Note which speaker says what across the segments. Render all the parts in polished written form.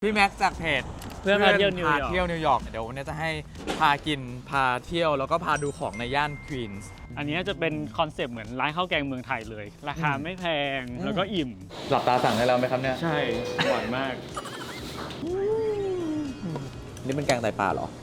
Speaker 1: พี่แม็กซ์จากเพจ
Speaker 2: เพื่อนพาเที่ยวนิวยอร์ก
Speaker 1: เที่ยวนิวยอร์กเดี๋ยววันนี้จะให้พากินพาเที่ยวแล้วก็พาดูของในย่านควีนส์
Speaker 2: อันนี้จะเป็นคอนเซปต์เหมือนร้านข้าวแกงเมืองไทยเลย ราคาไม่แพงแล้วก็อิ่ม
Speaker 1: หลับตาสั่งได้แล้วไหมครับเนี่ย
Speaker 2: ใช่อร่อยมาก
Speaker 1: นี่เป็นแกงไตปลาเหรอ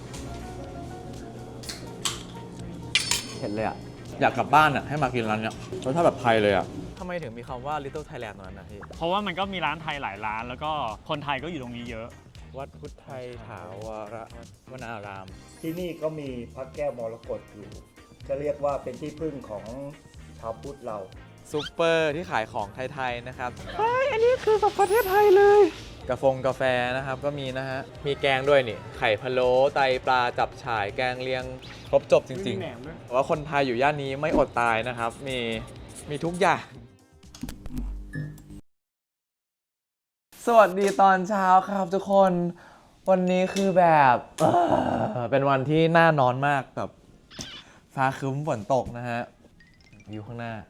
Speaker 1: เห็นเลยอ่ะอยากกลับบ้านอ่ะให้มากินร้านเนี้ยรสชาติแบบไทยเลยอ่ะทำไมถึงมีคำว่า Little Thailand ตรงนั้นนะพี่
Speaker 2: เพราะว่ามันก็มีร้านไทยหลายร้าน แล้วก็คนไทยก็อยู่ตรงนี้เยอะ
Speaker 1: วัดพุทธไทยถาวรวนาราม
Speaker 3: ที่นี่ก็มีพระแก้วมรกตอยู่จะเรียกว่าเป็นที่พึ่งของชาวพุทธเรา
Speaker 1: ซูเปอร์ที่ขายของไทยๆนะครับอันนี้คือแบบประเทศไทยเลย กาแฟนะครับก็มีนะฮะ มีแกงด้วยนี่ ไข่พะโล้ไตปลาจับฉ่ายแกงเลียง ครบจบจริง
Speaker 2: มีแหนมด้วย
Speaker 1: ๆว่าคนไทยอยู่ย่านนี้ไม่อดตายนะครับ มีทุกอย่าง สวัสดีตอนเช้าครับทุกคน วันนี้คือแบบเป็นวันที่น่านอนมากแบบฟ้าครึ้มฝนตกนะฮะวิวข้างหน้า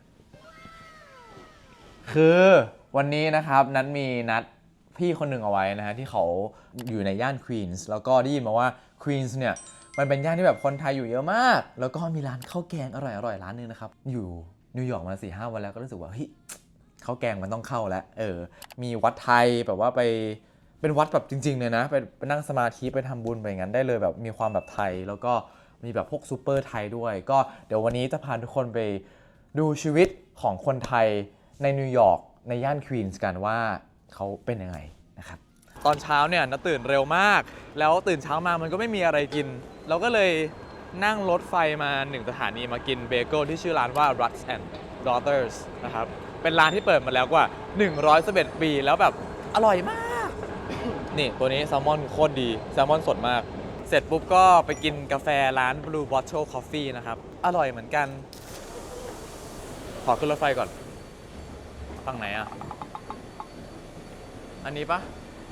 Speaker 1: คือวันนี้นะครับนัดมีนัดพี่คนหนึ่งเอาไว้นะฮะที่เขาอยู่ในย่านควีนส์แล้วก็ได้ยินมาว่าควีนส์เนี่ยมันเป็นย่านที่แบบคนไทยอยู่เยอะมากแล้วก็มีร้านข้าวแกงอร่อยๆร้านนึงนะครับอยู่นิวยอร์กมา 4-5 วันแล้วก็รู้สึกว่าเฮ้ยข้าวแกงมันต้องเข้าแล้วมีวัดไทยแบบว่าไปเป็นวัดแบบจริงๆเลยนะไปนั่งสมาธิไปทำบุญไปอย่างนั้นได้เลยแบบมีความแบบไทยแล้วก็มีแบบพวกซูเปอร์ไทยด้วยก็เดี๋ยววันนี้จะพาทุกคนไปดูชีวิตของคนไทยในนิวยอร์กในย่านควีนส์กันว่าเขาเป็นยังไงนะครับตอนเช้าเนี่ยนะตื่นเร็วมากแล้วตื่นเช้ามามันก็ไม่มีอะไรกินเราก็เลยนั่งรถไฟมา1 สถานีมากินเบเกิลที่ชื่อร้านว่า Ruts and Daughters นะครับเป็นร้านที่เปิดมาแล้วกว่า111 ปีแล้วแบบอร่อยมาก นี่ตัวนี้แซลมอนโคตรดีแซลมอนสดมากเสร็จปุ๊บก็ไปกินกาแฟร้าน Blue Bottle Coffee นะครับอร่อยเหมือนกันขอขึ้นรถไฟก่อนฝั่งไหนอ่ะอันนี้ปะ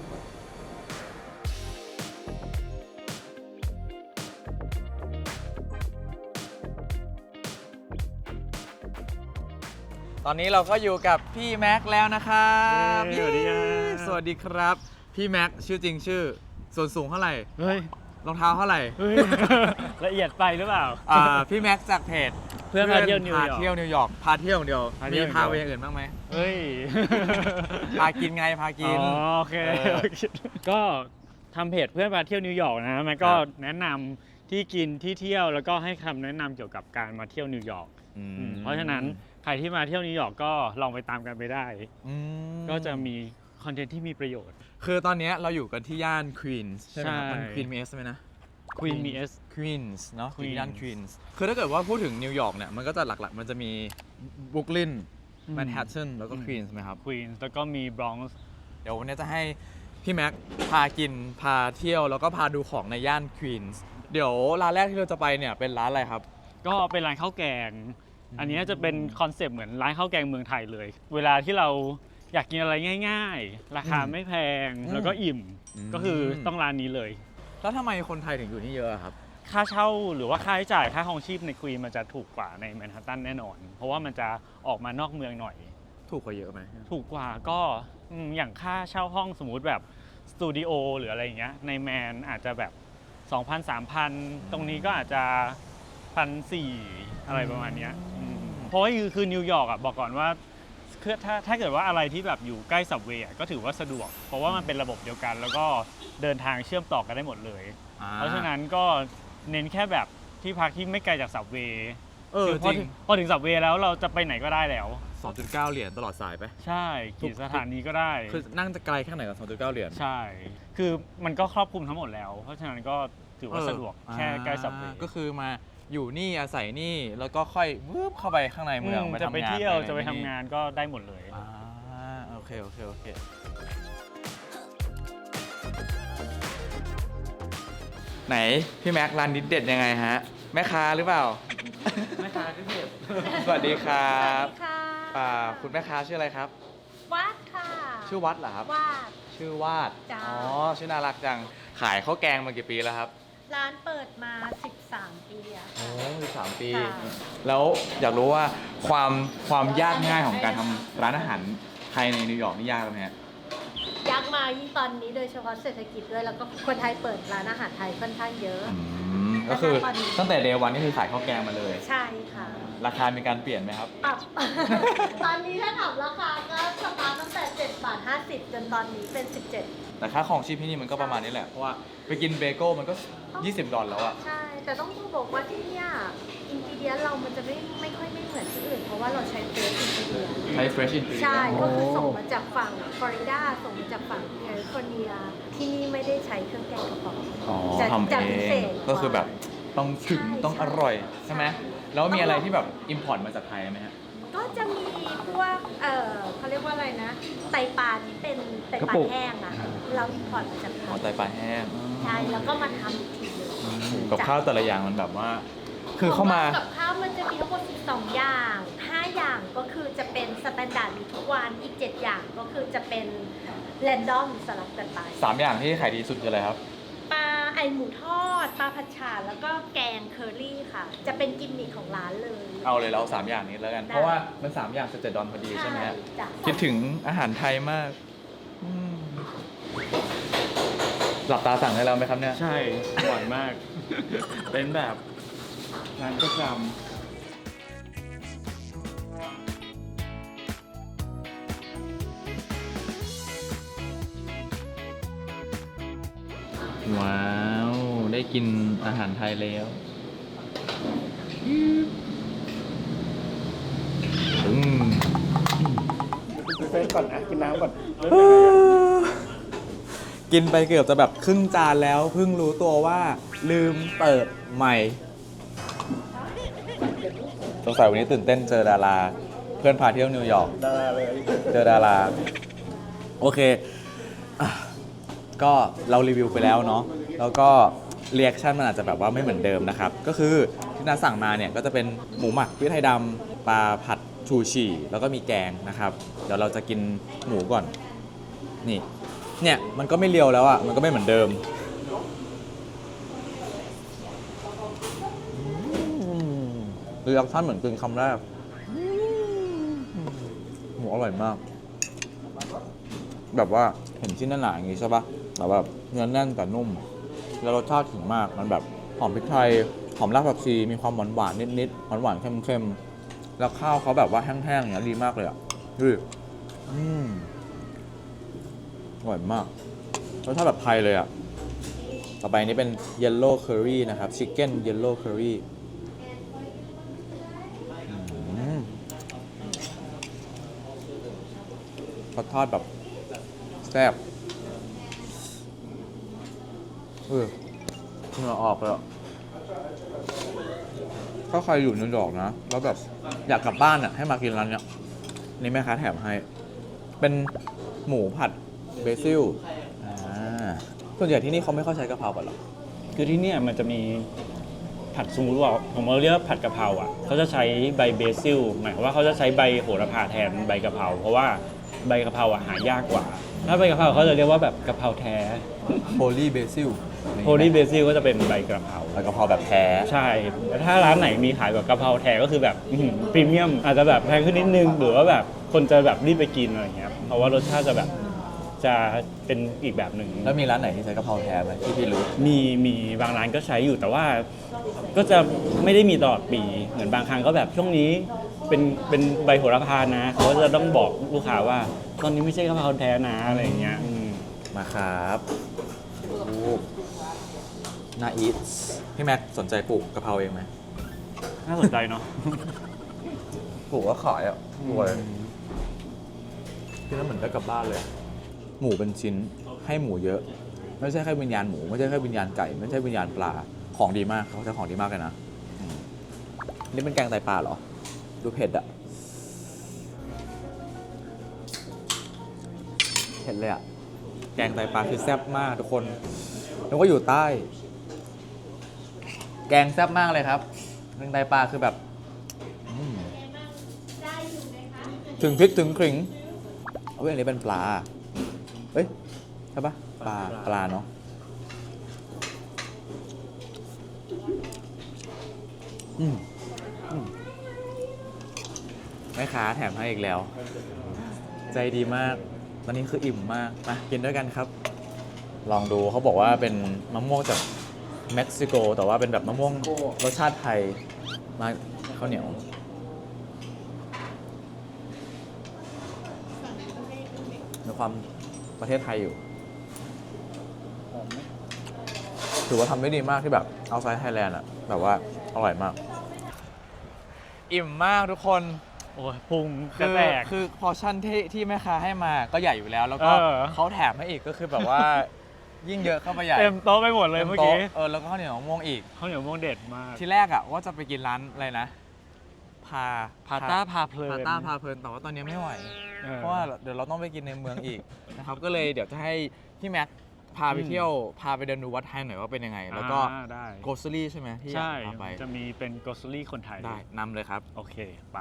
Speaker 1: ตอนนี้เราก็อยู่กับพี่แม็กแล้วนะครับ
Speaker 2: สวัสดีครับ
Speaker 1: สวัสดีครับ พี่แม็กชื่อจริงชื่อส่วนสูงเท่าไหร่
Speaker 2: เฮ้ย
Speaker 1: รองเท้าเท่าไหร่
Speaker 2: เฮ้ย ละเอียดไปหรือเปล่า
Speaker 1: พี่แม็กจากเพจ
Speaker 2: เพื่อนพาเที่ยวนิวยอร์ก
Speaker 1: พาเที่ยวนิวยอร์กพาเที่ยวอย่างเดียว
Speaker 2: พาเที่
Speaker 1: มี
Speaker 2: ยว
Speaker 1: พาไปอย่างอื่นบ้างไหม
Speaker 2: เฮ้ย
Speaker 1: พากินไงพากิน
Speaker 2: อ๋อโอเคก็ทำเพจเพื่อนพาเที่ยวนิวยอร์กนะมันก็แนะนำที่กินที่เที่ยวแล้วก็ให้คำแนะนำเกี่ยวกับการมาเที่ยวนิวยอร์กเพราะฉะนั้นใครที่มาเที่ยวนิวยอร์กก็ลองไปตามกันไปได้ ก็จะมีคอนเทนต์ที่มีประโยชน์
Speaker 1: คือตอนนี้เราอยู่กันที่ย่านควีนส์ใช่ไหมครับ
Speaker 2: ใช่
Speaker 1: มันควีนมีเอสไหมนะ
Speaker 2: Queen มี S
Speaker 1: ควีนส์เนาะ
Speaker 2: Queens
Speaker 1: ย่านควีนส์คือถ้าเกิดว่าพูดถึงนิวยอร์กเนี่ยมันก็จะหลักๆมันจะมีบรุกลินแมนฮัตตันแล้วก็ควีนส์ไหมครับ
Speaker 2: Queen แล้วก็มี Bronx
Speaker 1: เดี๋ยววันนี้จะให้พี่แม็กพากินพาเที่ยวแล้วก็พาดูของในย่านควีนส์เดี๋ยวร้านแรกที่เราจะไปเนี่ยเป็นร้านอะไรครับ
Speaker 2: ก็เป็นร้านข้าวแกง อันนี้จะเป็นคอนเซปต์เหมือนร้านข้าวแกงเมืองไทยเลย เวลาที่เราอยากกินอะไรง่ายๆ ราคาไม่แพงแล้วก็อิ่ม ก็คือต้องร้านนี้เลย
Speaker 1: แล้วทำไมคนไทยถึงอยู่นี่เยอะครับ
Speaker 2: ค่าเช่าหรือว่าค่าใช้จ่ายค่าครองชีพในควีนมันจะถูกกว่าในแมนฮัตตันแน่นอน เพราะว่ามันจะออกมานอกเมืองหน่อย
Speaker 1: ถูกกว่าเยอะไหม
Speaker 2: ถูกกว่าก็อย่างค่าเช่าห้องสมมุติแบบสตูดิโอหรืออะไรอย่างเงี้ยในแมนอาจจะแบบ 2,000 3,000 ตรงนี้ก็อาจจะ 1,400 อะไรประมาณเนี้ยเพราะว่าคือนิวยอร์กอ่ะบอกก่อนว่าถ้าเกิดว่าอะไรที่แบบอยู่ใกล้สับเวย์ก็ถือว่าสะดวก เพราะว่ามันเป็นระบบเดียวกัน แล้วก็เดินทางเชื่อมต่อกันได้หมดเลย เพราะฉะนั้นก็เน้นแค่แบบที่พักที่ไม่ไกลจากสับเวย์
Speaker 1: จริง
Speaker 2: พอถึงสับเวย์แล้วเราจะไปไหนก็ได้แล้ว
Speaker 1: 2.9 เหรียญตลอดสายไป
Speaker 2: ใช่กี่สถานีก็ได้
Speaker 1: คือนั่งจะไกลแค่ไหนกับ 2.9 เหรียญ
Speaker 2: ใช่ คือมันก็ครอบคลุมทั้งหมดแล้ว เพราะฉะนั้นก็ถือว่าสะดวกแค่ใกล้สับเวย์
Speaker 1: ก็คือมาอยู่นี่อาศัยนี่แล้วก็ค่อยวืบเข้าไปข้างในเมือง
Speaker 2: จะไปเที่ยวจะไปทำงานก็ได้หมดเลย
Speaker 1: โอเคไหนพี่แม็กร้านนี้เด็ดยังไงฮะแม่ค้าหรือเปล่า
Speaker 2: แม่ค้าที่เด็ด
Speaker 1: สวัสดีครับ
Speaker 4: สวัสดีค่ะ
Speaker 1: คุณแม่ค้าชื่ออะไรครับ
Speaker 4: วัดค่ะ
Speaker 1: ชื่อวัดเหรอครับ
Speaker 4: วาด
Speaker 1: ชื่อวาด
Speaker 4: จ้า
Speaker 1: อ๋อชื่อน่ารักจังขายข้าวแกงมากี่ปีแล้วครับ
Speaker 4: ร้านเปิดมา 13 ปีอะ
Speaker 1: โอ้
Speaker 4: ค่ะ
Speaker 1: 13 ปี
Speaker 4: ค่ะ
Speaker 1: แล้วอยากรู้ว่าความยากง่ายของการทำร้านอาหารไทยในนิวยอร์กนี่ยากไหมฮะ
Speaker 4: ยักษ์มายิ่งตอนนี้โดยเฉพาะเศรษฐกิจด้วยแล้วก็คนไทยเปิดร้านอาหารไทยค่อนข้างเยอะ
Speaker 1: ก็คือตั้งแต่เดย์วันนี่คือขายข้าวแกงมาเลย
Speaker 4: ใช่ค่ะ
Speaker 1: ราคามีการเปลี่ยนไหมครับ
Speaker 4: ปรับ ตอนนี้ถ้าถามราคาก็สตาร์ทตั้งแต่7 บาท 50 จนตอนนี้เป็น 17
Speaker 1: แต่ค่าของชีพที่นี่มันก็ประมาณนี้แหละ เพราะว่าไปกินเบเกิลมันก็$20แล้วอะ
Speaker 4: ใช่ แต่ต้องบอกว่าที่เนี่ยอินกิเดียเรามันจะไม่ค่อยไม่เหมือนที่อื่น เพราะว่าเราใช้เฟรชอินกิเดีย
Speaker 1: ใช้ fresh ingredient
Speaker 4: ใช่ ก็คือส่งมาจากฝั่งฟลอริดาส่งมาจากฝั่งแคลิฟอร์เนีย ที่นี่ไม่ได้ใช้เครื่องแกงกระป๋อง
Speaker 1: อ๋อ
Speaker 4: จะ
Speaker 1: ทำ
Speaker 4: จะ
Speaker 1: เอ
Speaker 4: พิเศ
Speaker 1: ง
Speaker 4: ษ
Speaker 1: ก็คือแบบต้องถึง
Speaker 4: ใช่
Speaker 1: ต้องอร่อยใช่ไหมแล้วมีอะไรที่แบบอิมพอร์ตมาจากไทยไหมฮะ
Speaker 4: ก็จะมีพวกเขาเรียกว่าอะไรนะ ไตปลาที่เป็นไตป
Speaker 1: กระ
Speaker 4: ลา
Speaker 1: ปุก
Speaker 4: แห้งอ่ะ เราอินพอร์ตมาจากไท
Speaker 1: อ๋อย ไตปลาแห้ง
Speaker 4: ใช่ แล้วก็มาทำอีกทีหนึง
Speaker 1: กับข้าวแต่ละอย่างมันแบบว่า คือเข้ามา
Speaker 4: กับข้าวมันจะมีทั้งหมด12 อย่าง 5 อย่างก็คือจะเป็นสแตนดาร์ดมีทุกวัน อีก 7 อย่างก็คือจะเป็นแรนดอมสลับกันไป
Speaker 1: 3 อย่างที่ขายดีสุดคืออะไรครับ
Speaker 4: ปลาไอหมูทอด ปลาผัดฉ่าแล้วก็แกงเคอรี่ค่ะ จะเป็นกิมมิคของร้านเลย
Speaker 1: เอาเลยเรา3 อย่างนี้แล้วกัน
Speaker 4: ได้
Speaker 1: เพราะว่ามัน3 อย่าง$17พอดีใช่ไหมฮะ
Speaker 4: จ้ะ
Speaker 1: คิดถึงอาหารไทยมากอืมหลับตาสั่งให้เราไหมครับเนี่ย
Speaker 2: ใช่อร่อยมาก เป็นแบบร้านประจ
Speaker 1: ว้าว ได้กินอาหารไทยแล้วอืม
Speaker 3: เฟรชก่อนนะกินน้ำก่อน
Speaker 1: กินไปเกือบจะแบบครึ่งจานแล้วเพิ่งรู้ตัวว่าลืมเปิดใหม่สงสัยวันนี้ตื่นเต้นเจอดารา เพื่อนพาเที่ยวนิวยอร์ก
Speaker 3: ดาราเลย
Speaker 1: เจอดารา โอเคอ่ะก็เรารีวิวไปแล้วเนาะแล้วก็เรีแอคชั่นมันอาจจะแบบว่าไม่เหมือนเดิมนะครับ ก็คือที่น้าสั่งมาเนี่ยก็จะเป็นหมูหมักพริกไทยดำปลาผัดชูชีแล้วก็มีแกงนะครับ เดี๋ยวเราจะกินหมูก่อน นี่ เนี่ยมันก็ไม่เลียวแล้วอ่ะ มันก็ไม่เหมือนเดิมรีแอคชั่นเหมือนกินคำแรกหมูอร่อยมาก แบบว่าเห็นชิ้นหนาๆอย่างงี้ใช่ปะแต่แบบเนื้อแน่นแต่นุ่ม แล้วรสชาติถึงมาก มันแบบหอมพริกไทย หอมรากผักชี มีความหวานๆนิดๆ หวานๆ เค็มๆ แล้วข้าวเขาแบบว่าแห้งๆ อย่างเงี้ยดีมากเลยอ่ะดูดิอร่อยมาก รสชาติแบบไทยเลยอ่ะ ต่อไปนี้เป็น Yellow Curry นะครับ Chicken Yellow Curry เขาทอดแบบแซ่บเหงื่อออกเลยอะถ้าใครอยู่นิวยอร์กนะ แล้วแบบอยากกลับบ้านอ่ะ ให้มากินร้านเนี้ยนี่แม่ค้าแถมให้ เป็นหมูผัดเบซิลส่วนใหญ่ที่นี่เขาไม่ค่อยใช้กะเพรากันหรอ
Speaker 2: ำคือที่เนี่ยมันจะมีผัดสมมุติว่าผมเรียกว่าผัดกะเพราอ่ะเขาจะใช้ใบเบซิลหมายความว่าเขาจะใช้ใบโหระพาแทนใบกะเพราเพราะว่าใบกะเพราอ่ะหายากกว่า ถ้าใบกะเพราเขาจะเรียกว่าแบบกะเพราแท้
Speaker 1: Holy Basil
Speaker 2: โฮลี่เบซิลก็จะเป็นใบกะเพรา
Speaker 1: แล้วกะเพราแบบแท้
Speaker 2: ใช่แต่ถ้าร้านไหนมีขายแบบกะเพราแท้ก็คือแบบพรีเมียมอาจจะแบบแพงขึ้นนิดนึงหรือว่าแบบคนจะแบบรีบไปกินอะไรอย่างเงี้ยเพราะว่ารสชาติจะแบบจะเป็นอีกแบบหนึ่ง
Speaker 1: แล้วมีร้านไหนที่ใช้กะเพราแท้ไหมที่พี่รู้
Speaker 2: มีบางร้านก็ใช้อยู่แต่ว่าก็จะไม่ได้มีตลอดปีเหมือนบางครั้งก็แบบช่วงนี้เป็นใบโหระพานะเขาจะต้องบอกลูกค้าว่าตอนนี้ไม่ใช่กะเพราแท้นะอะไรอย่างเงี้ย
Speaker 1: มาครับน่าอีทพี่แม็กสนใจปลูกกะเพราเองไหม
Speaker 2: น่าสนใจเนาะ
Speaker 1: ปลูกก็ขายอ่ะรวยที่นั่นเหมือนได้กลับบ้านเลย หมูเป็นชิ้นให้หมูเยอะ ไม่ใช่แค่วิญญาณหมูไม่ใช่แค่วิญญาณไก่ไม่ใช่วิญญาณปลาของดีมากเขาใช้ของดีมากเลยนะนี่เป็นแกงไตปลาเหรอดูเผ็ดอะเผ็ดเลยอะแกงไตปลาคือแซ่บมากทุกคนแล้วก็อยู่ใต้ แกงแซ่บมากเลยครับแกงไตปลาคือแบบถึงพริกถึงขิงเอาไว้อันนี้เป็นปลาเอ้ยใช่ปะปลาเนาะแม่ค้าแถมให้อีกแล้ว ใจดีมากตอนนี้คืออิ่มมากมากินด้วยกันครับ ลองดูเขาบอกว่าเป็นมะม่วงจากเม็กซิโก แต่ว่าเป็นแบบมะม่วงรสชาติไทยมาข้าวเหนียวมีความประเทศไทยอยู่
Speaker 2: หอมไหม
Speaker 1: ถือว่าทำได้ดีมากที่แบบเอาไซด์ไทยแลนด์อะแบบว่าอร่อยมาก อิ่มมากทุกคน
Speaker 2: โอ้ยพุงก
Speaker 1: คื
Speaker 2: ระ
Speaker 1: อ
Speaker 2: แตก
Speaker 1: คือพอชั่นที่แม่ค้าให้มาก็ใหญ่อยู่แล้ว แล้วก็
Speaker 2: เออ
Speaker 1: เขาแถมให้อีกก็คือแบบว่า ยิ่งเยอะเข้าไปใหญ่
Speaker 2: เต็มโต๊ะไปหมดเลยเมื่อกี้
Speaker 1: ต็โต๊ะแล้วก็ข้าวเหนียวมะม่วงอีก
Speaker 2: ข้าวเหนียวมะม่วงเด็ดมาก
Speaker 1: ทีแรกอะว่าจะไปกินร้านอะไรนะ พา
Speaker 2: พาต้าพาเพลิน
Speaker 1: พาต้าพาเพลินแต่ว่าตอนนี้ไม่ไหว
Speaker 2: ออ
Speaker 1: เพราะว่าเดี๋ยวเราต้องไปกินในเมืองอีก นะครับ ก็เลยเดี๋ยวจะให้พี่แม็กพาไปเที่ยวพาไปเดินดูวัดไทยหน่อยว่าเป็นยังไง แล้วก็
Speaker 2: ได้
Speaker 1: โกสลี่ใช่ไหมที่อยาก
Speaker 2: ใช่
Speaker 1: พาไป
Speaker 2: จะมีเป็นโกสลี่คนไทย
Speaker 1: ได้นำเลยครับ
Speaker 2: โอเค ไป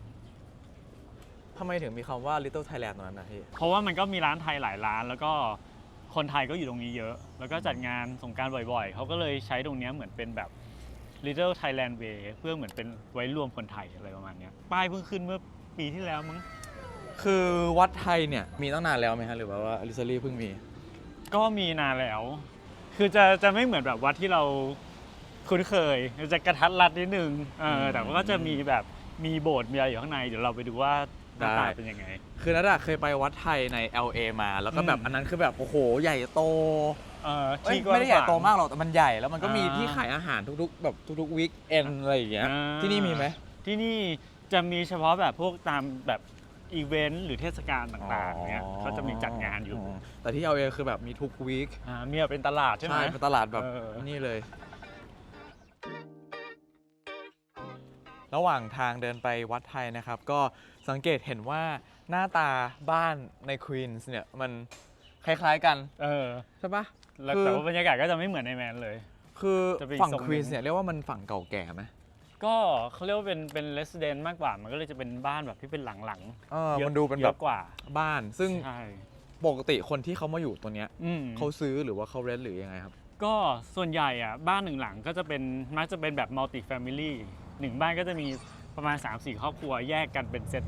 Speaker 1: ทำไมถึงมีคำว่า Little Thailand ตรงนั้นนะพี่
Speaker 2: เพราะว่ามันก็มีร้านไทยหลายร้าน แล้วก็คนไทยก็อยู่ตรงนี้เยอะ แล้วก็จัดงานสงกรานต์บ่อยๆ เขาก็เลยใช้ตรงเนี้ยเหมือนเป็นแบบ Little Thailand Way เพื่อเหมือนเป็นไว้รวมคนไทยอะไรประมาณเนี้ยป้ายเพิ่งขึ้นเมื่อปีที่แล้วมั้ง
Speaker 1: คือวัดไทยเนี่ยมีตั้งนานแล้วไหมฮะหรือว่าลิซารี่เพิ่งมี
Speaker 2: ก็มีนานแล้ว คือจะไม่เหมือนแบบวัดที่เราคุ้นเคยจะกระทัดรัดนิดนึงแต่ว่าก็จะมีแบบมีโบสถ์มีอะไรอยู่ข้างใน เดี๋ยวเราไปดูว่าหน้าตาเป็นยังไง
Speaker 1: คือนัดอะเคยไปวัดไทยใน LA มาแล้วก็แบบ
Speaker 2: อืม
Speaker 1: อันนั้นคือแบบโอ้โหใหญ่โต
Speaker 2: ที่กว้าง
Speaker 1: ไม่ได้ใหญ่โต
Speaker 2: ขวง
Speaker 1: มากหรอกแต่มันใหญ่แล้วมันก็มี
Speaker 2: อ่า
Speaker 1: ที่ขายอาหารทุกๆแบบทุกๆวีคเอนอะไรอย่างเงี้ย
Speaker 2: อ่า
Speaker 1: ที่นี่มีไหม
Speaker 2: ที่นี่จะมีเฉพาะแบบพวกตามแบบอีเวนต์หรือเทศกาลต่างๆเนี้ยเขาจะมีจัดงานอยู่
Speaker 1: แต่ที่ LA คือแบบมีทุกวีค
Speaker 2: มีแบบเป็นตลาดใช่ไหม
Speaker 1: เป็นตลาดแบบ
Speaker 2: เออ
Speaker 1: นี่เลย ระหว่างทางเดินไปวัดไทยนะครับ ก็สังเกตเห็นว่าหน้าตาบ้านในควีนส์เนี่ยมันคล้ายๆกัน ใช่ปะ
Speaker 2: แล้ว
Speaker 1: คือ
Speaker 2: แต่ว่าบรรยากาศก็จะไม่เหมือนในแมนเลย
Speaker 1: คือ
Speaker 2: จะเป็นอีก
Speaker 1: ฝั่ง
Speaker 2: ทรงหนึ่ง
Speaker 1: ควีนส์เนี่ยเรียกว่ามันฝั่งเก่าแก่ไหม
Speaker 2: ก็เขาเรียกว่าเป็นเรส i เดนต์มากกว่า มันก็เลยจะเป็นบ้านแบบที่เป็นหลังๆ
Speaker 1: มันดูเป็น
Speaker 2: เย
Speaker 1: แบ
Speaker 2: อะ
Speaker 1: บ
Speaker 2: กว่า
Speaker 1: บ้าน ซึ่ง
Speaker 2: ใช่
Speaker 1: ปกติคนที่เขามาอยู่ตัวเนี้ย
Speaker 2: อืม
Speaker 1: เขาซื้อหรือว่าเขาเรนต์หรือยังไงครับ
Speaker 2: ก็ส่วนใหญ่อ่ะบ้านหนึ่งหลังก็จะเป็นมักจะเป็นแบบมัลติแฟมิลี่หนึ่งบ้านก็จะมีประมาณ 3-4 ครอบครัวแยกกันเป็นเซต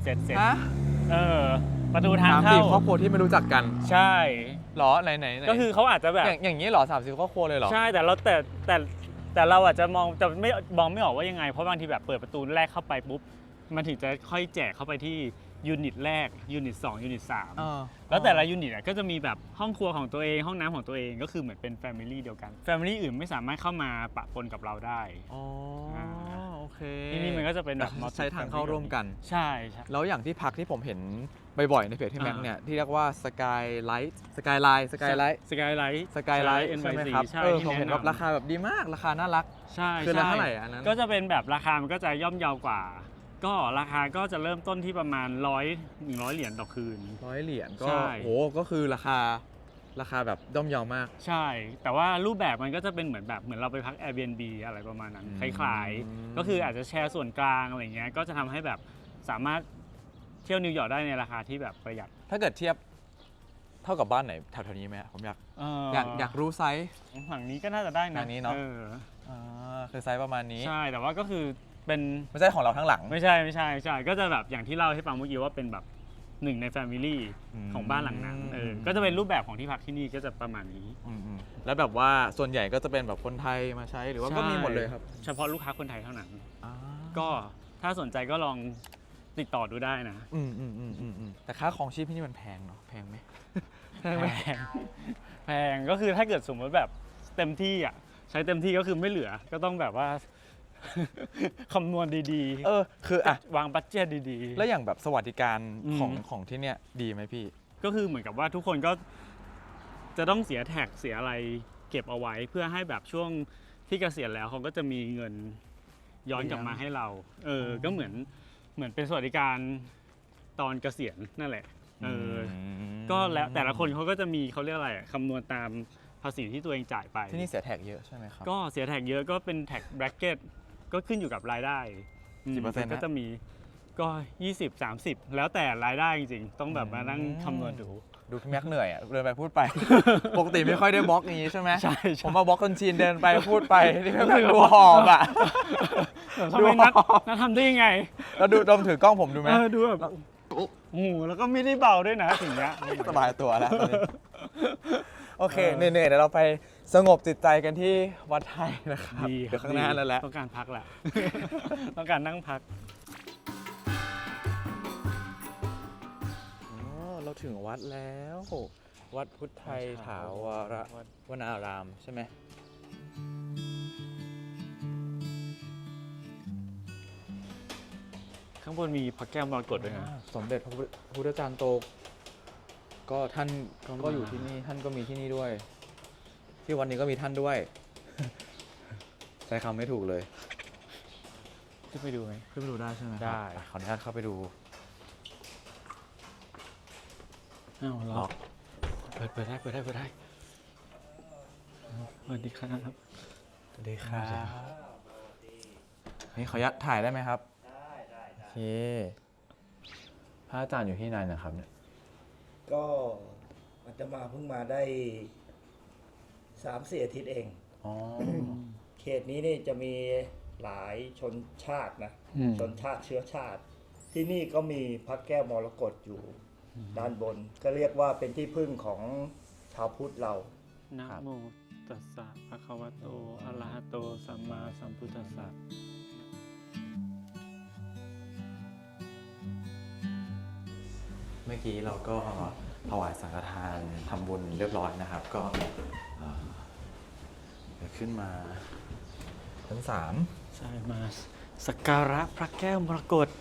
Speaker 2: ประตูทาง
Speaker 1: สาม
Speaker 2: เข้า
Speaker 1: สี่ครอบครัวที่ไม่รู้จักกัน
Speaker 2: ใช่
Speaker 1: หรอไหน
Speaker 2: ก็คือเขาอาจจะแบบ
Speaker 1: อย่างนี้หรอ30ครอบครัวเลยหรอ
Speaker 2: ใช่แต่เราอาจจะมองไม่ออกว่ายังไง เพราะบางทีแบบเปิดประตูแรกเข้าไปปุ๊บมันถึงจะค่อยแจกเข้าไปที่ยูนิตแรกยูนิต2ยูนิต3แล้วแต่ละยูนิตก็จะมีแบบห้องครัวของตัวเองห้องน้ำของตัวเองก็คือเหมือนเป็นแฟมิลี่เดียวกันแฟมิลี่อื่นไม่สามารถเข้ามาปะปนกับเราได้
Speaker 1: อ๋อโอเค
Speaker 2: ที่นี่มันก็จะเป็นแบบ
Speaker 1: ใช้ทางเข้าร่วมกัน
Speaker 2: ใช่ใช่
Speaker 1: แล้วอย่างที่พักที่ผมเห็นบ่อยๆในเพจที่แม็กเนี่ยที่เรียกว่าสกายไลท์
Speaker 2: สกายไลท์
Speaker 1: ใช่ไหมครับ
Speaker 2: ใช่
Speaker 1: ผมเห็นแบบราคาแบบดีมากราคาน่ารัก
Speaker 2: ใช่
Speaker 1: คือละเท่าไหร่อันนั้น
Speaker 2: ก็จะเป็นแบบราคามันก็จะย่อมเยาวกว่า ก็ราคาก็จะเริ่มต้นที่ประมาณ100เหรียญต่อคืน
Speaker 1: 100 เหรียญก็
Speaker 2: ใช่
Speaker 1: โหก็คือราคาแบบย่อมเยาวมาก
Speaker 2: ใช่ แต่ว่ารูปแบบมันก็จะเป็นเหมือนเราไปพัก Airbnb อะไรประมาณนั้น
Speaker 1: อืม
Speaker 2: คล้ายๆ ก็คืออาจจะแชร์ส่วนกลางอะไรเงี้ย ก็จะทำให้แบบสามารถเที่ยวนิวยอร์กได้ในราคาที่แบบประหยัด
Speaker 1: ถ้าเกิดเทียบเท่ากับบ้านไหนแถวๆนี้ไหมผมอยากรู้ไซส์
Speaker 2: หลังนี้ก็น่าจะได้นะ
Speaker 1: หลังนี้เนอะ คือไซส์ประมาณนี้
Speaker 2: ใช่ แต่ว่าก็คือเป็น
Speaker 1: ไม่ใช่ของเราทั้งหลัง
Speaker 2: ไม่ใช่ก็จะแบบอย่างที่เล่าให้ฟังเมื่อกี้ว่าเป็นแบบหนึ่งในแฟมิลี่
Speaker 1: อืม
Speaker 2: ของบ้านหลังนั้นก็จะเป็นรูปแบบของที่พักที่นี่ก็จะประมาณนี้
Speaker 1: แล้วแบบว่าส่วนใหญ่ก็จะเป็นแบบคนไทยมาใช้หรือว่าก็มีหมดเลยครับ
Speaker 2: เฉพาะลูกค้าคนไทยเท่านั้น ก็ถ้าสนใจก็ลองติดต่อดูได้นะ
Speaker 1: แต่ค่าของชีพที่นี่มันแพงเนาะแพงไหม
Speaker 2: แพงก็คือถ้าเกิดสมมติแบบเต็มที่อ่ะใช้เต็มที่ก็คือไม่เหลือก็ต้องแบบว่า คำนวณดีๆ
Speaker 1: คืออ่ะ
Speaker 2: วางบัดเจ็ตดีๆ
Speaker 1: แล้วอย่างแบบสวัสดิการ
Speaker 2: อืม
Speaker 1: ของที่เนี่ยดีไหมพี่
Speaker 2: ก็คือเหมือนกับว่าทุกคนก็จะต้องเสียแท็กเสียอะไรเก็บเอาไว้เพื่อให้แบบช่วงที่เกษียณแล้วเขาก็จะมีเงินย้อนกลับมาให้เราก็เหมือนเป็นสวัสดิการตอนเกษียณนั่นแหละก็แล้วแต่ละคนเขาก็จะมีเขาเรียกอะไรคำนวณตามภาษีที่ตัวเองจ่ายไป
Speaker 1: ที่นี่เสียแท็กเยอะใช่ไหมครับ
Speaker 2: ก็เสียแท็กเยอะก็เป็นแท็กแบร็กเก็ตก็ขึ้นอยู่กับรายได้
Speaker 1: กี่เปอร์เซ็นต์
Speaker 2: ก็
Speaker 1: ฮะ
Speaker 2: จะมีก็20-30แล้วแต่รายได้จริงๆต้องแบบมานั่งคำนวณดู
Speaker 1: ดูพี่แม็กเหนื่อยอ่ะเดินไปพูดไป ปกติไม่ค่อยได้บล็อกอย่างนี้ใช่ไหม
Speaker 2: ใช่
Speaker 1: ผมมาบล็อกคนจีนเดินไปพูดไปนี่พี่แม็กดูหอบอ่ะ
Speaker 2: ทำไมนัดทำได้ยังไง
Speaker 1: แล้วดูดมถือกล้องผมดูไหม
Speaker 2: ดูแบบโอ้โหแล้วก็ไม่ได้เบาด้วยนะสิ่งเนี้ย
Speaker 1: สบายตัวแล้วตอนนี้โอเคเหนื่อยๆเดี๋ยวเราไปสงบจิตใจกันที่วัดไทยนะครับ
Speaker 2: ดี
Speaker 1: เดี๋ยวข้างหน้านั่นแหละ
Speaker 2: ต้องการพักแหละ ต้องการนั่งพัก
Speaker 1: อ๋อเราถึงวัดแล้ว วัดพุทธไทยถาวรวนารามใช่ไหม
Speaker 2: ข้างบนมีพระแก้วมรกตด้วยนะ
Speaker 1: สมเด็จพระพุทธจารย์โต ก็ท่าน
Speaker 2: ก็มา
Speaker 1: ก็อยู่ที่นี่ท่านก็มีที่นี่ด้วย ที่วันนี้ก็มีท่านด้วย ใช้คำไม่ถูกเลย
Speaker 2: ขึ้นไปดูไหม
Speaker 1: ขึ้นไปดูได้ใช่ไหม
Speaker 2: ได้
Speaker 1: ขออนุญาตเข้าไปดู
Speaker 2: อ้าว
Speaker 1: ล็
Speaker 2: ล็
Speaker 1: อ
Speaker 2: อก กเปิดได้สวัสดีครับ
Speaker 1: สวัสดีครับนี่ขออนุญาตถ่ายได้ไหมครับ
Speaker 3: ได้
Speaker 1: โอเคพระอาจารย์อยู่ที่ไหนนะครับเนี่ย
Speaker 3: ก็อาตมาเพิ่งมาได้3-4 อาทิตย์เอง
Speaker 1: อ๋อ
Speaker 3: เขตนี้นี่จะมีหลายชนชาตินะ ชนชาติเชื้อชาติ ที่นี่ก็มีพระแก้วมรกตอยู่ด้านบน ก็เรียกว่าเป็นที่พึ่งของชาวพุทธเรา
Speaker 2: นะโมตัสสะภะคะวะโตอะระหะโตสัมมาสัมพุทธัสสะ
Speaker 1: เมื่อกี้เราก็ถวายสังฆทานทำบุญเรียบร้อยนะครับ ก็เดี๋ยวขึ้นมาชั้น 3
Speaker 2: ใช่มาสักการะพระแก้วมรกต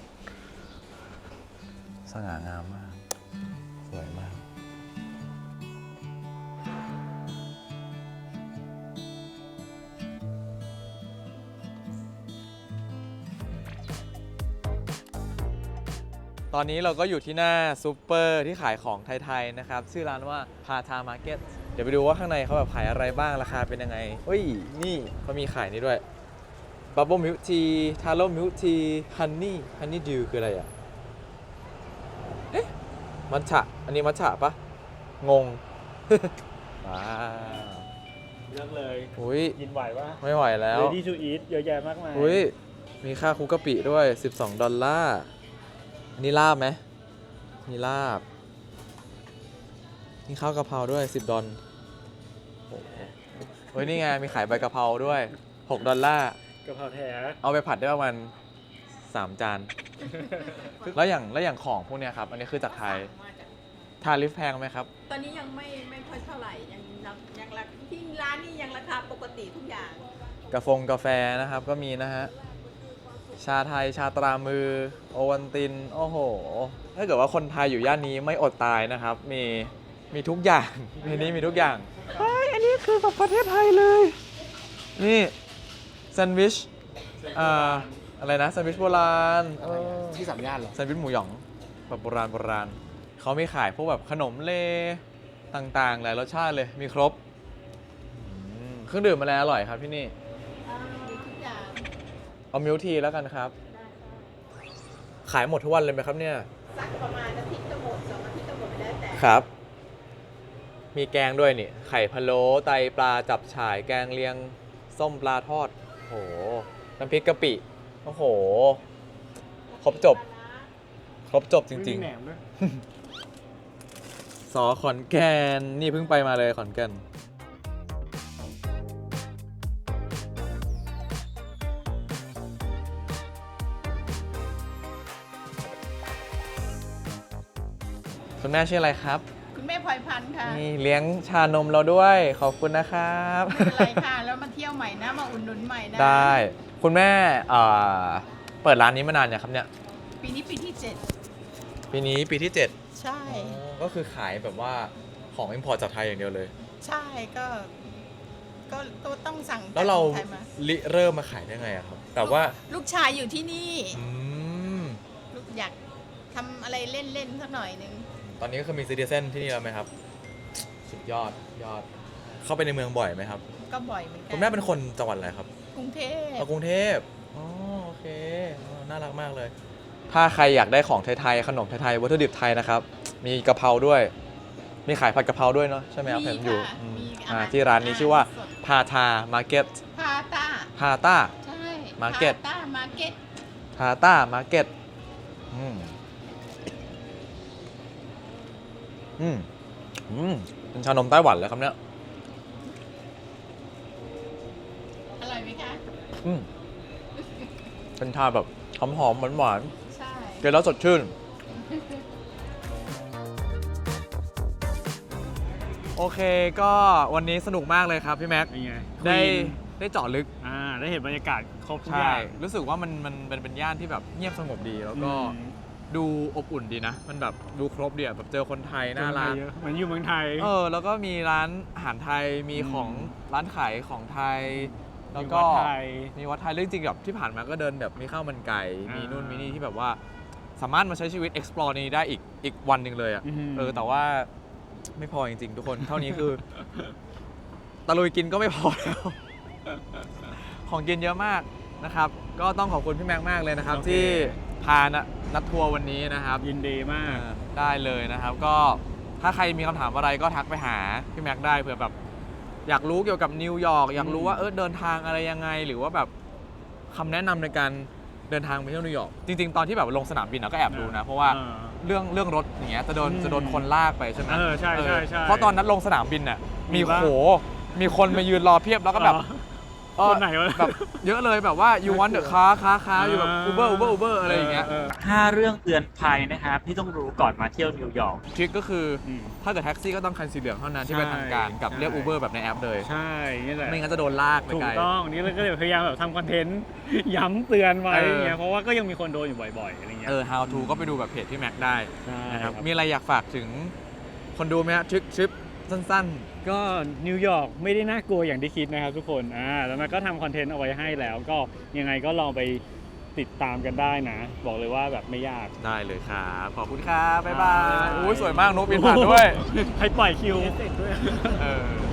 Speaker 1: สง่างามมาก สวยมาก ตอนนี้เราก็อยู่ที่หน้าซูเปอร์ที่ขายของไทยๆนะครับ ชื่อร้านว่าพาทามาร์เก็ตเดี๋ยวไปดูว่าข้างในเขาแบบขายอะไรบ้างราคาเป็นยังไงเฮ้ย นี่เขามีขายนี่ด้วยบับเบิ้ลมิลค์ทีทาโร่มิลค์ทีฮันนี่ดิวคืออะไรอ่ะ เอ๊ะ มัทฉะอันนี้มัทฉะปะงง ว้าว
Speaker 2: เลือกเลย
Speaker 1: อุ้ย
Speaker 2: ยินไหวปะ
Speaker 1: ไม่ไหวแล้ว
Speaker 2: Ready to eat เยอะแยะมากมาย
Speaker 1: อุ้ยมีค่าคุกกะปิด้วย$12อันนี้ลาบไหมมีลาบมีข้าวกะเพราด้วย$10โอ้โหเฮ้ยนี่ไงมีขายใบกะเพราด้วย$6
Speaker 2: กะเพราแท้
Speaker 1: เอาไปผัดได้ประมาณ3 จาน แล้วอย่างของพวกเนี้ยครับ อันนี้คือจากไทยทาริฟแพงไหมครับ
Speaker 5: ตอนนี้ยังไม่ค่อยเท่าไหร่ยังราที่ร้านนี่ยังราคาปกติทุกอย่าง
Speaker 1: กาแฟนะครับก็มีนะฮะ ชาไทยชาตรามือโอวันติน โอ้โห ถ้าเกิดว่าคนไทยอยู่ย่านนี้ไม่อดตายนะครับ มีทุกอย่าง ในนี้มีทุกอย่างเฮ้ยอันนี้คือแบบประเทศไทยเลย นี่แซนด์วิชอะไรนะแซนด์วิชโบราณ
Speaker 6: ที่สามย่านเหรอ
Speaker 1: แซนด์วิชหมูหยองแบบโบราณเขามีขายพวกแบบขนมเลต่างๆหลายรสชาติเลยมีครบเครื่องดื่มอะไรอร่อยครับที่นี่
Speaker 5: มีทุกอย่าง
Speaker 1: เอามิลค์ทีแล้วกันครับ ขายหมดทุกวันเลยไหมครับเนี่ย
Speaker 5: สักประมาณอาทิตย์ก็หมด2 อาทิตย์ก็หมดไปแล้วแต่
Speaker 1: ครับ มีแกงด้วยนี่ ไข่พะโล้ไตปลาจับฉ่าย แกงเลียง ส้มปลาทอด โอ้โห น้ำพริกกะปิ โอ้โห ครบจบจริง
Speaker 2: แหนมด้วย
Speaker 1: ๆ สอขอนแก่น นี่เพิ่งไปมาเลยขอนแก่น คุณแม่ชื่ออะไรครับ
Speaker 5: คุณแม่พลอยพันธ์ค่ะ
Speaker 1: นี่เลี้ยงชานมเราด้วย ขอบคุณนะครับ
Speaker 5: ไม่เป็นไรค่ะ แล้วมาเที่ยวใหม่นะ มาอุดหนุนใหม่นะ
Speaker 1: ได้ คุณแม่เปิดร้านนี้มานานยังครับเนี่ย
Speaker 5: ปีนี้ปีที่
Speaker 1: ปีนี้ปีที่
Speaker 5: 7 ใช่
Speaker 1: 7 ก็คือขายแบบว่าของอิมพอร์ตจากไทยอย่างเดียวเลย
Speaker 5: ใช่ก็ต้องสั่ง
Speaker 1: แล้วเรา
Speaker 5: จกไทยมา
Speaker 1: เริ่มมาขายได้ไงอะครับ แต่ว่า
Speaker 5: ลูกชายอยู่ที่นี่
Speaker 1: อืม
Speaker 5: ลูกอยากทำอะไรเล่นๆสักหน่อยนึง
Speaker 1: ตอนนี้ก็คือมีซิติเซนที่นี่แล้วไหมครับ สุดยอด เข้าไปในเมืองบ่อยไหมครับ
Speaker 5: ก็บ่อยเหมือนกั
Speaker 1: คุณแม่เป็นคนจังหวัดอะไรครับ
Speaker 5: กรุงเทพ
Speaker 1: กรุงเทพอ๋อโอเคน่ารักมากเลย ถ้าใครอยากได้ของไทยๆ ขนมไทยๆ วัตถุดิบไทยนะครับ มีกะเพราด้วย มีขายผัดกะเพราด้วยเนาะใช่ไหมครับ
Speaker 5: มี
Speaker 1: เห็นอยู่
Speaker 5: ค่ะ
Speaker 1: อืม
Speaker 5: มีอาหาร
Speaker 1: ที่ร้านนี้ชื่อว่า
Speaker 5: สด
Speaker 1: พาทามาร์เก็ต
Speaker 5: พาต้า
Speaker 1: พาต้า
Speaker 5: ใช่
Speaker 1: Market
Speaker 5: พาต้ามาร์เก็ต
Speaker 1: พาต้ามาร์เก็ตเป็นชานมไต้หวันเลยครับเนี่ย
Speaker 5: อร่อยไหมคะ
Speaker 1: เป็นชาแบบหอมๆหวาน
Speaker 5: ใช่
Speaker 1: ๆกินแล้วสดชื่น โอเคก็วันนี้สนุกมากเลยครับพี่แม็ก
Speaker 2: เป็นไง
Speaker 1: ได้
Speaker 2: Queen
Speaker 1: ได้เจาะลึก
Speaker 2: ได้เห็นบรรยากาศครบทุกอ
Speaker 1: ใช่
Speaker 2: ย่าง
Speaker 1: รู้สึกว่ามันเป็นย่านที่แบบเงียบสงบดี แล้วก็
Speaker 2: อืม
Speaker 1: ดูอบอุ่นดีนะ มันแบบดูครบดีอะแบบเจอคนไทยน่ารัก
Speaker 2: เยอะเหมือนอยู่เมืองไทย
Speaker 1: แล้วก็มีร้านอาหารไทยมีของร้านขายของไทย แล้วก็
Speaker 2: มีวัดไทย
Speaker 1: มีวัดไทยเรื่องจริงแบบที่ผ่านมาก็เดินแบบมีข้าวมันไก่
Speaker 2: อ่ามี
Speaker 1: มีนู่นมีนี่ที่แบบว่าสามารถมาใช้ชีวิต explore นี้ได้อีกวันหนึ่งเลยอ่ะ
Speaker 2: อืม
Speaker 1: แต่ว่าไม่พอจริงๆ ทุกคน เท่านี้คือ ตะลุยกินก็ไม่พอแล้ว ของกินเยอะมากนะครับ ก็ต้องขอบคุณพี่แม็กมากเลยนะครับ
Speaker 2: โอเค
Speaker 1: ที่พานัดทัวร์วันนี้นะครับ
Speaker 2: ยินดีมาก
Speaker 1: ได้เลยนะครับ ก็ถ้าใครมีคำถามอะไรก็ทักไปหาพี่แม็กได้เผื่อแบบอยากรู้เกี่ยวกับนิวยอร์กอยากรู้ว่าเดินทางอะไรยังไง หรือว่าแบบคำแนะนำในการเดินทางไปเที่ยวนิวยอร์กจริงๆ ตอนที่แบบลงสนามบินก็แอบดูนะ เพราะว่าเรื่องรถอย่างเงี้ยจะโดนคนลากไปใช่ไหม
Speaker 2: ใช่
Speaker 1: เพราะตอนนั้นลงสนามบินน่ะ
Speaker 2: มี
Speaker 1: มี
Speaker 2: ปะ
Speaker 1: มีคนมายืนรอเพียบแล้วก็แบบ
Speaker 2: คนไหนวะ
Speaker 1: แบบเยอะเลยแบบว่า you want the car อยู่แบบ Uber อะไรอย่างเงี้ย
Speaker 2: 5 เรื่องเตือนภัยนะครับที่ต้องรู้ก่อนมาเที่ยวนิวยอร์ก
Speaker 1: ทริคก็คืออ
Speaker 2: ม
Speaker 1: ถ้าเกิดแท็กซี่ก็ต้องคันสีเหลืองเท่านั้นที่เป็นทางการกับ
Speaker 2: ใช่
Speaker 1: เรียก Uber แบบในแอปเลย
Speaker 2: ใช่นี่แหละ
Speaker 1: ไม่งั้นจะโดนลากไป
Speaker 2: ถู
Speaker 1: ไก
Speaker 2: ก
Speaker 1: ล
Speaker 2: ต้องนี่เราก็เลยพยายามแบบทำคอนเทนต์ ย้ำเตือนไว้
Speaker 1: เออ
Speaker 2: อย่างเงี้ยเพราะว่าก็ยังมีคนโดนอยู่บ่อยๆอะไรเงี้ย
Speaker 1: how to ก็ไปดูแบบเพจที่แม็กได้
Speaker 2: ใช่
Speaker 1: นะครับ
Speaker 2: ครับ
Speaker 1: มีอะไรอยากฝากถึงคนดูไหมฮะทริปสั้น
Speaker 2: ก็นิวยอร์กไม่ได้น่ากลัวอย่างที่คิดนะครับทุกคนแล้วมันก็ทำคอนเทนต์เอาไว้ให้แล้ว ก็ยังไงก็ลองไปติดตามกันได้นะ บอกเลยว่าแบบไม่ยาก
Speaker 1: ๆ ได้เลยครับ ขอบคุณครับ บ๊ายบา
Speaker 2: บ๊าย
Speaker 1: ย
Speaker 2: บาย
Speaker 1: อุ้ยสวยมากนกบินผ่านด้วย
Speaker 2: ให้ปล่อยคิว
Speaker 1: เออ